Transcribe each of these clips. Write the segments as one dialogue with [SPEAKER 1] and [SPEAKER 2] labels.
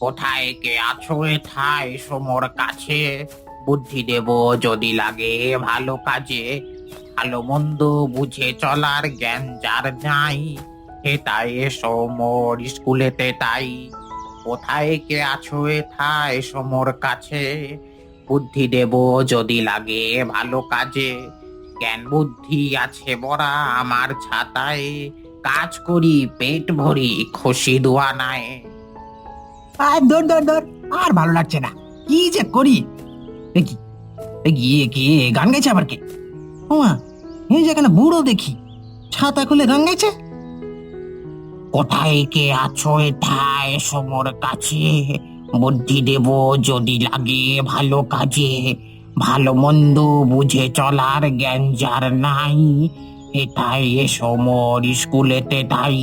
[SPEAKER 1] কোথায় কে আছো এথায় সমর কাছে? বুদ্ধি দেব যদি লাগে ভালো কাজে। ভালো মন্দ বুঝে চলার জ্ঞান যার নাই, হেতায় এসো মোর স্কুলেতে তাই। কোথায় কে আছো এথায় সমর কাছে? বুদ্ধি দেব যদি লাগে ভালো কাজে। জ্ঞান বুদ্ধি আছে বড়া আমার ছাতায়, কাজ করি পেট ভরি খুশি দোয়া নাই।
[SPEAKER 2] আর ধর ধর ধর, আর ভালো লাগছে না। কি যে করি! দেখি দেখি, এ কে গান গাইছে আবার? কে? ওমা, এই যেখানে বুড়ো দেখি ছাতা খুলে গান গাইছে।
[SPEAKER 1] কোথায় কে আছো এথায় সমর কাছে? বুদ্ধি দেব যদি লাগে ভালো কাজে। ভালো মন্দ বুঝে চলার জ্ঞান যার নাই, এটাই এসো মোর স্কুলেতে তাই।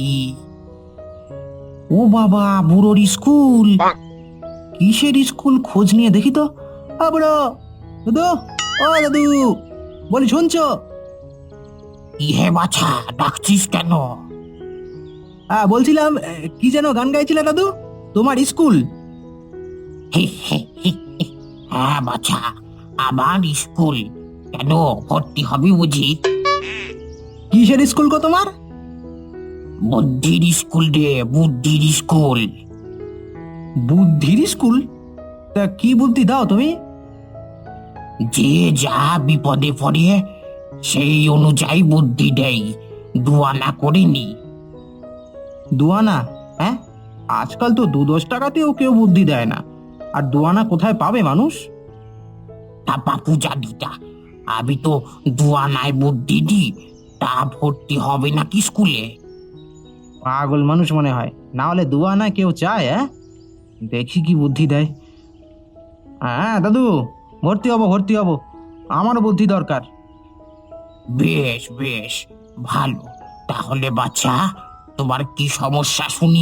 [SPEAKER 2] ও বাবা, বুড়োর স্কুল! কিসের স্কুল? খোঁজ নিয়ে দেখি তো। বুড়ো দাদু, ও দাদু, বলি শুনছো?
[SPEAKER 1] ইহে বাছা, ডাকছিস কেন?
[SPEAKER 2] বলছিলাম, কি যেন গান গাইছিলে দাদু? তোমার স্কুল?
[SPEAKER 1] হি হি হি হি। হ্যাঁ বাছা, আমার স্কুল। কেন, ভর্তি হবি বুঝি?
[SPEAKER 2] কিসের স্কুল গো তোমার?
[SPEAKER 1] বুদ্ধির স্কুল রে, বুদ্ধির স্কুল।
[SPEAKER 2] বুদ্ধির স্কুল? তা কি বুদ্ধি দাও তুমি?
[SPEAKER 1] যে যা বিপদে পড়ে সেই অনুযায়ী বুদ্ধি দেয়, দুয়ানা করিনি।
[SPEAKER 2] দুয়ানা? হ্যাঁ, আজকাল তো 2-10 টাকাতেও কেউ বুদ্ধি দেয় না। আর দুয়ানা কোথায় পাবে মানুষ?
[SPEAKER 1] তা বাপু জানিটা, আমি তো দুয়ানায় বুদ্ধি দিই। তা ভর্তি হবে নাকি স্কুলে?
[SPEAKER 2] পাগল মানুষ মনে হয়, না হলে দুয়ানা কেউ চায়? দেখি কি বুদ্ধি দেয়। দাদু, ভর্তি হব ভর্তি হব, আমারও বুদ্ধি দরকার।
[SPEAKER 1] বেশ বেশ, ভালো। তাহলে বাচ্চা, তোমার কি সমস্যা শুনি?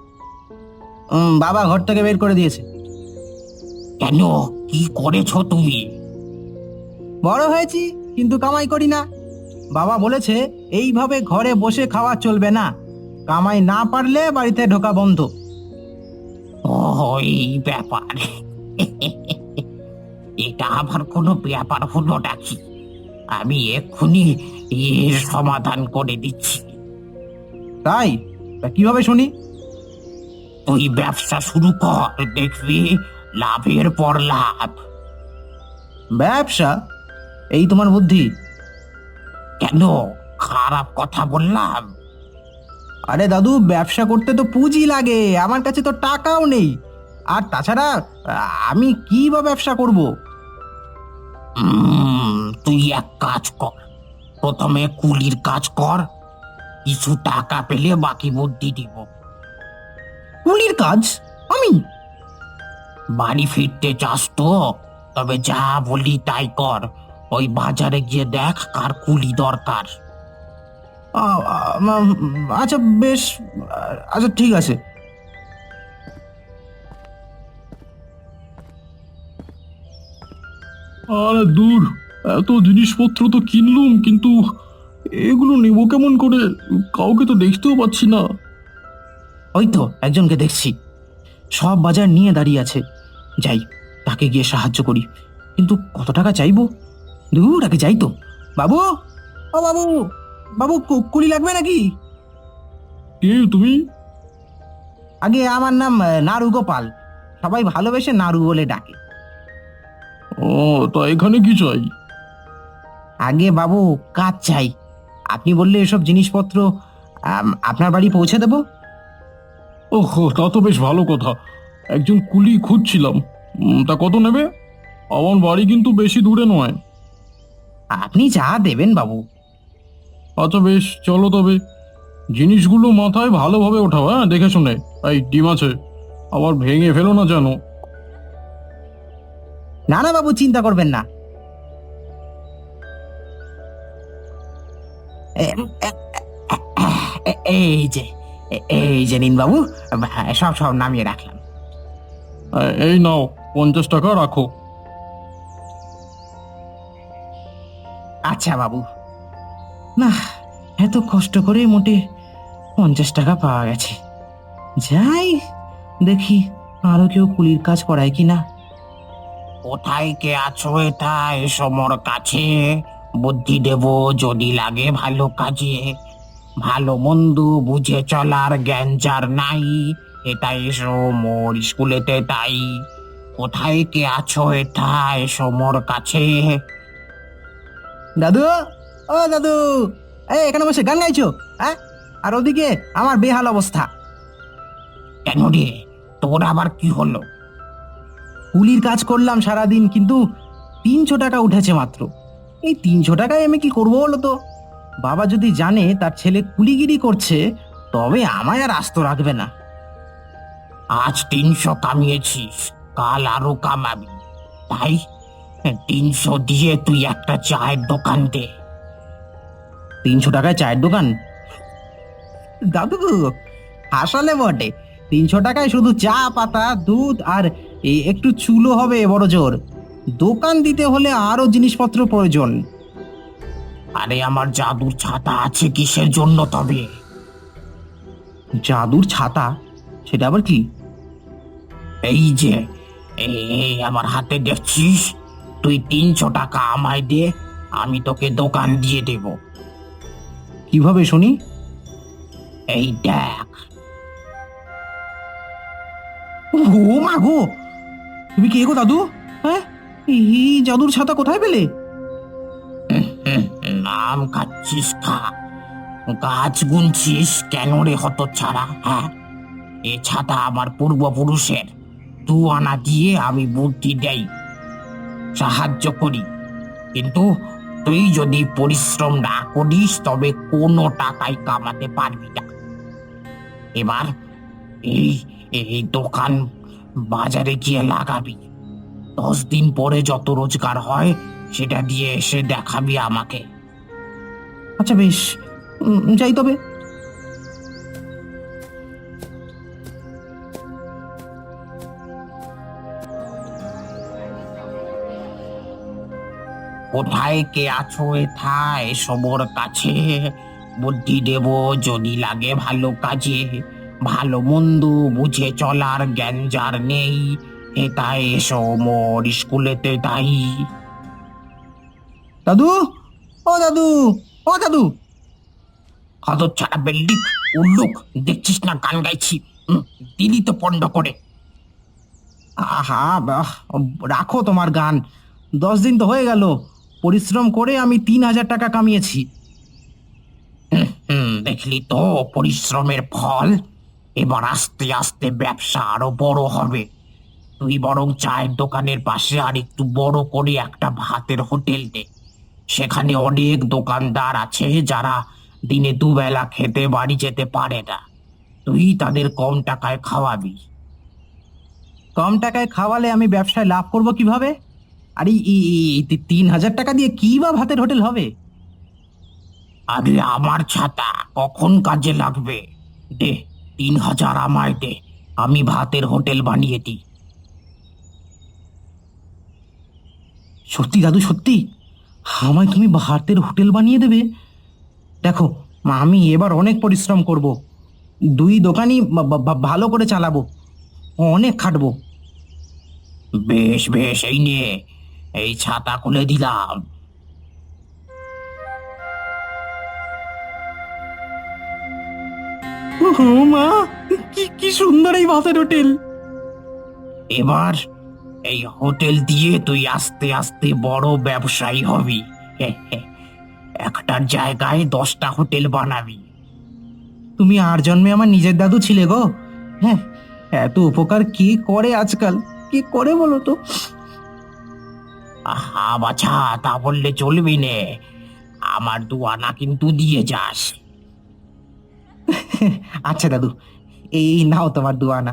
[SPEAKER 2] বাবা ঘর থেকে বের করে দিয়েছে।
[SPEAKER 1] কেন, কি করেছো তুমি?
[SPEAKER 2] বড় হয়েছি কিন্তু কামাই করি না। বাবা বলেছে এইভাবে ঘরে বসে খাওয়া চলবে না, কামাই না পারলে বাড়িতে ঢোকা বন্ধ।
[SPEAKER 1] ও, এই ব্যাপার। এটা আবার কোনো ব্যাপার হলো নাকি? আমি এক্ষুনি এর সমাধান করে দিচ্ছি।
[SPEAKER 2] তাই? তা কিভাবে শুনি?
[SPEAKER 1] তুই ব্যবসা শুরু কর, দেখবি লাভের পর লাভ।
[SPEAKER 2] ব্যবসা? এই তোমার বুদ্ধি?
[SPEAKER 1] কেন, খারাপ কথা বললাম?
[SPEAKER 2] আরে দাদু, ব্যবসা করতে তো পুঁজি লাগে, আমার কাছে তো টাকাও নেই। আর তাছাড়া আমি কি বা ব্যবসা করব?
[SPEAKER 1] তুই এক কাজ কর, প্রথমে কুলির কাজ কর। কিছু টাকা পেলে বাকি বুদ্ধি দিব।
[SPEAKER 2] কুলির কাজ? আমি?
[SPEAKER 1] বাড়ি ফিরতে চাস তো? তবে যা বলি তাই কর। ওই বাজারে গিয়ে দেখ কার কুলি দরকার।
[SPEAKER 2] আচ্ছা বেশ, আচ্ছা ঠিক আছে।
[SPEAKER 3] আরে দূর, এত জিনিসপত্র তো কিনলুম, কিন্তু এগুলো নেব কেমন করে? কাউকে তো দেখতেও পাচ্ছি না।
[SPEAKER 2] ওই তো একজনকে দেখছি, সব বাজার নিয়ে দাঁড়িয়ে আছে। যাই, তাকে গিয়ে সাহায্য করি। কিন্তু কত টাকা চাইবো? দূর, আগে যাই তো। বাবু, ও বাবু, বাবু, কুলি লাগবে নাকি?
[SPEAKER 3] কে তুমি?
[SPEAKER 2] আগে আমার নাম নাড়ু গোপাল, সবাই ভালোবেসে নাড়ু বলে ডাকে।
[SPEAKER 3] ও, তা এখানে কি চাই?
[SPEAKER 2] আগে বাবু, কাজ চাই। আপনি বললে এসব জিনিসপত্র আপনার বাড়ি পৌঁছে দেব।
[SPEAKER 3] ওহ, তা তো বেশ ভালো কথা। একজন কুলি খুঁজছিলাম। তা কত নেবে? আমার বাড়ি কিন্তু বেশি দূরে নয়।
[SPEAKER 2] আপনি যা দেবেন বাবু।
[SPEAKER 3] আচ্ছা বেশ, চলো তবে। জিনিসগুলো মাথায় ভালোভাবে ওঠাও, হ্যাঁ, দেখে শুনে। এই ডিম আছে, আবার ভেঙে ফেলো না যেন।
[SPEAKER 2] না না বাবু, চিন্তা করবেন না। এই যে, এই যে নিন বাবু, সব সব নামিয়ে রাখলাম।
[SPEAKER 3] এই নাও, 50 টাকা রাখো।
[SPEAKER 2] আচ্ছা বাবু। না, এত কষ্ট করে মোটে 50 টাকা পাওয়া গেছে। যাই, দেখি আরো কেউ কুলির কাজ করায় কি না?
[SPEAKER 1] কোথায় কে আছো এটা এসো মোর কাছে, বুদ্ধি দেব যদি লাগে ভালো কাজে, ভালো মন্দ বুঝে চলার জ্ঞান যার নাই, এটা এসো মোর স্কুলেতে তাই। কোথায় কে আছো এটা এসো মোর কাছে।
[SPEAKER 2] দাদু, ও দাদু, এই এখানে বসে গান গাইছো? হ্যাঁ, আর ওদিকে আমার বেহাল অবস্থা।
[SPEAKER 1] কেন রে, তোর আবার কি হলো?
[SPEAKER 2] কুলির কাজ করলাম সারাদিন, কিন্তু 300 টাকা উঠেছে মাত্র। এই 300 টাকায় আমি কি করবো বলো তো? বাবা যদি জানে তার ছেলে কুলিগিরি করছে, তবে আমায় আর আস্ত রাখবে না।
[SPEAKER 1] আজ 300 কামিয়েছিস, কাল আরো কামাবি, তাই 300 দিয়ে তুই একটা চায়ের দোকান দে।
[SPEAKER 2] 300 টাকায় চায়ের দোকান? দাদু, হাসালে বটে। 300 টাকায় শুধু চা পাতা, দুধ আর একটু চুলো হবে বড় জোর। দোকান দিতে হলে আরো জিনিসপত্র প্রয়োজন।
[SPEAKER 1] আরে আমার জাদুর ছাতা আছে কিসের জন্য তবে?
[SPEAKER 2] জাদুর ছাতা? সেটা আবার কি?
[SPEAKER 1] এই যে, এই আমার হাতে দেখছিস, তুই 300 টাকা আমায় দে, আমি তোকে দোকান দিয়ে দেব।
[SPEAKER 2] কিভাবে শুনি?
[SPEAKER 1] এই দেখ।
[SPEAKER 2] ও মা গো, তুমি কে গো দাদু? হ্যাঁ, এই জাদুর ছাতা কোথায় পেলে?
[SPEAKER 1] নাম খাচ্ছিস খা, গাছ গুনছিস কেন রে হতচ্ছাড়া? হ্যাঁ, এ ছাতা আমার পূর্বপুরুষের, 2 আনা দিয়ে আমি বুদ্ধি দেই, সাহায্য করি, কিন্তু তুই যদি পরিশ্রম না করিস তবে কোনো টাকাই কামাতে পারবি না। এবার এই এই দোকান বাজারে গিয়ে লাগাবি, 10 দিন পরে যত রোজগার হয় সেটা দিয়ে এসে দেখাবি আমাকে।
[SPEAKER 2] আচ্ছা বেশ, যাই তবে।
[SPEAKER 1] কোথায় কে আছো এথা এসো মোর কাছে, বুদ্ধি দেব যদি লাগে ভালো কাজে, ভালো মন্দ বুঝে চলার জ্ঞান যার নেই, এটা এসো মোর স্কুলেতে তাই।
[SPEAKER 2] দাদু, ও দাদু, ও দাদু।
[SPEAKER 1] হতচ্ছাড়া বিল্ডিং, উল্লুক, দেখছিস না গান গাইছি? দিদি তো পণ্ড করে।
[SPEAKER 2] আহা বাহ, রাখো তোমার গান। 10 দিন তো হয়ে গেল, পরিশ্রম করে আমি 3,000 টাকা কামিয়েছি।
[SPEAKER 1] দেখলি তো পরিশ্রমের ফল। এবার আস্তে আস্তে ব্যবসা আরো বড় হবে। তুই বরং চায়ের দোকানের পাশে আর একটু বড় করে একটা ভাতের হোটেল দে, সেখানে অনেক দোকানদার আছে যারা দিনে দুবেলা খেতে বাড়ি যেতে পারে না, তুই তাদের কম টাকায় খাওয়াবি।
[SPEAKER 2] কম টাকায় খাওয়ালে আমি ব্যবসায় লাভ করব কিভাবে? আর এই 3,000 টাকা দিয়ে কি বা ভাতের হোটেল হবে?
[SPEAKER 1] আরে আমার ছাতা কখন কাজে লাগবে? দে, 3,000 আমায় দে, আমি ভাতের হোটেল বানিয়ে দিই।
[SPEAKER 2] সত্যি দাদু, সত্যি আমায় তুমি ভাতের হোটেল বানিয়ে দেবে? দেখো মা, আমি এবার অনেক পরিশ্রম করব। 2 দোকানই ভালো করে চালাবো, অনেক খাটবো।
[SPEAKER 1] বেশ বেশ, এই নে, এই ছাতা খুলে দিলাম।
[SPEAKER 2] ও মা, কি কি সুন্দর এই ভাতের হোটেল!
[SPEAKER 1] এবার এই হোটেল দিয়ে তুই আস্তে আস্তে বড় ব্যবসায়ী হবি। একটার জায়গায় 10টা হোটেল বানাবি।
[SPEAKER 2] তুমি আর জন্মে আমার নিজের দাদু ছিলে গো। হ্যাঁ, এত উপকার কে করে আজকাল, কে করে বলো তো?
[SPEAKER 1] আহা বাছা, তা বললে চলবি নে, আমার 2 আনা কিন্তু দিয়ে যাস।
[SPEAKER 2] আচ্ছা দাদু, এই নাও তোমার 2 আনা।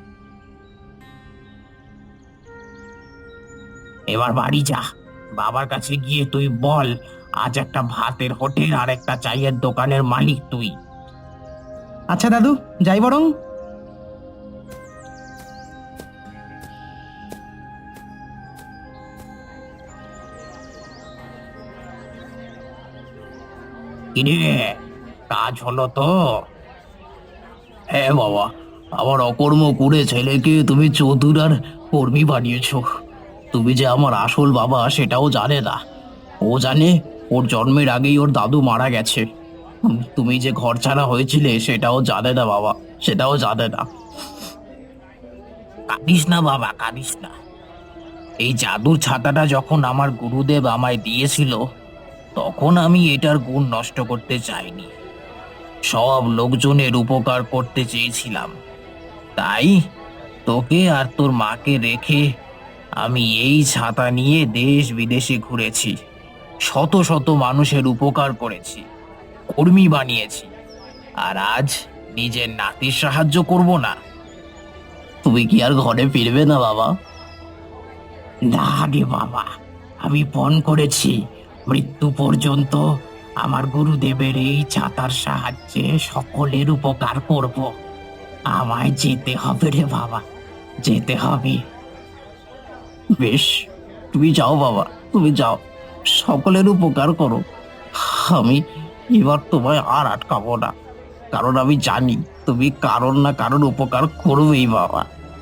[SPEAKER 1] এবার বাড়ি যা, বাবার কাছে গিয়ে তুই বল আজ একটা ভাতের হোটেল আর একটা চায়ের দোকানের মালিক তুই।
[SPEAKER 2] আচ্ছা দাদু, যাই বরং।
[SPEAKER 1] কিরে, কাজ হলো তো? হ্যাঁ বাবা,
[SPEAKER 2] আমার অকর্ম করে ছেলেকে তুমি চতুর আর কর্মী বানিয়েছো। তুমি যে আমার আসল বাবা সেটাও জানে না। ও জানে ওর জন্মের আগেই ওর দাদু মারা গেছে। তুমি যে ঘর ছাড়া হয়েছিলে সেটাও জানে না বাবা, সেটাও জানে না।
[SPEAKER 1] কাঁদিস না বাবা, কাঁদিস না। এই জাদুর ছাতাটা যখন আমার গুরুদেব আমায় দিয়েছিল, তখন আমি এটার গুণ নষ্ট করতে চাইনি। সব লোকজনের উপকার করতে চেয়েছিলাম। তাই তোকে আর তোর মাকে রেখে আমি এই ছাতা নিয়ে দেশ বিদেশে ঘুরেছি। শত শত মানুষের উপকার করেছি, কর্মী বানিয়েছি। আর আজ নিজের নাতির সাহায্য করব না?
[SPEAKER 2] তুমি কি আর ঘরে ফিরবে না বাবা?
[SPEAKER 1] না রে বাবা, আমি পণ করেছি মৃত্যু পর্যন্ত আমার গুরুদেবের এই ছাতার সাহায্যে সকলের উপকার করব। আমায় যেতে হবে রে বাবা, যেতে হবে।
[SPEAKER 2] বেশ, তুমি যাও বাবা, তুমি যাও, সকলের উপকার করো। আমি এবার তোমায় আর আটকাবো না, কারণ আমি জানি তুমি কারোর না কারোর উপকার করবেই বাবা।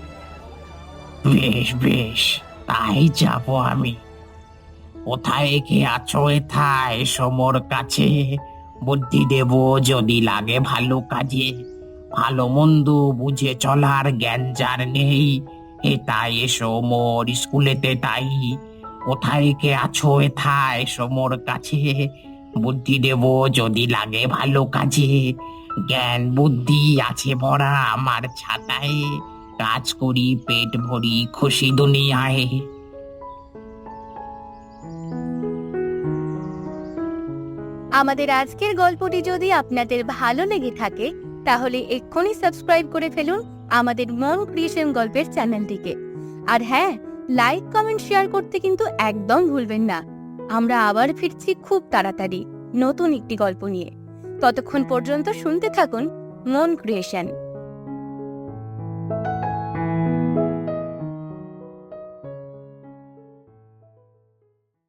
[SPEAKER 1] বেশ বেশ, তাই যাব আমি। কোথায় কে আছো এথায় সমর কাছে? বুদ্ধি দেব যদি লাগে ভালো কাজে। ভালো মন্দ বুঝে চলার জ্ঞান যার নেই, এ তাই এসো মোর স্কুলেতে তাই। কোথায় কে আছো এথায় সমর কাছে? বুদ্ধি দেব যদি লাগে ভালো কাজে। জ্ঞান বুদ্ধি আছে ভরা আমার ছাতায়, কাজ করি পেট ভরি খুশি দুনিয়ায়।
[SPEAKER 4] আমাদের আজকের গল্পটি যদি আপনাদের ভালো লেগে থাকে তাহলে এক্ষুনি সাবস্ক্রাইব করে ফেলুন আমাদের মন ক্রিয়েশন গল্পের চ্যানেলটিকে। আর হ্যাঁ, লাইক কমেন্ট শেয়ার করতে কিন্তু একদম ভুলবেন না। আমরা আবার ফিরছি খুব তাড়াতাড়ি নতুন একটি গল্প নিয়ে। ততক্ষণ পর্যন্ত শুনতে থাকুন মন ক্রিয়েশন।